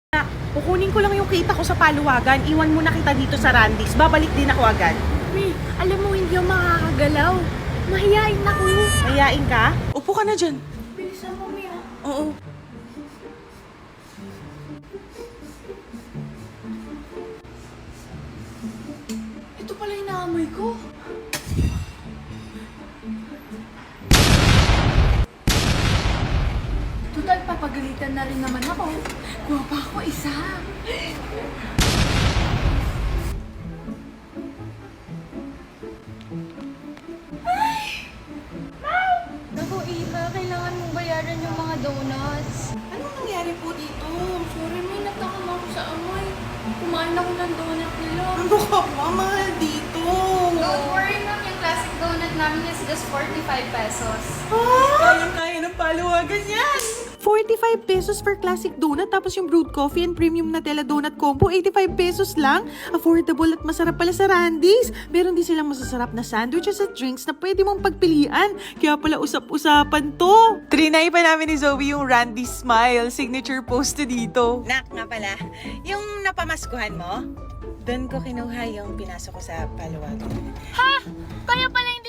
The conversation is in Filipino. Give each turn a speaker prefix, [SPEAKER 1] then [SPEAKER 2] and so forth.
[SPEAKER 1] Kukunin ko lang yung kita ko sa paluwagan. Iwan mo na kita dito sa Randy's. Babalik din ako agad.
[SPEAKER 2] May, alam mo hindi ako makakagalaw. Mahihain ako.
[SPEAKER 1] Mayain ka? Upo ka na dyan.
[SPEAKER 2] Bilisan mo, Mia.
[SPEAKER 1] Oo.
[SPEAKER 2] Ito pala yung naamoy ko. Total, papagalitan na rin naman ako. Kuha pa ako isa. Naku, Iha, kailangan mong bayaran yung mga donuts.
[SPEAKER 1] Anong nangyari po dito?
[SPEAKER 2] Sorry, may natakam ako sa amoy. Kumain ako ng donut nila.
[SPEAKER 1] Ano ka ba? Mahal dito.
[SPEAKER 3] Don't worry, ma'am. Yung classic donut namin is just 45 pesos.
[SPEAKER 1] Kaya ng paluwagan yan. 45 pesos for classic donut, tapos yung brewed coffee and premium Nutella donut combo, 85 pesos lang. Affordable at masarap pala sa Randy's. Meron din silang masasarap na sandwiches at drinks na pwede mong pagpilian. Kaya pala usap-usapan to. Trinay pa namin ni Zoe yung Randy's Smile, signature post dito.
[SPEAKER 4] Nak, nga pala, yung napamaskuhan mo, doon ko kinuha yung pinasok ko sa paluwagan.
[SPEAKER 2] Ha? Kaya pala hindi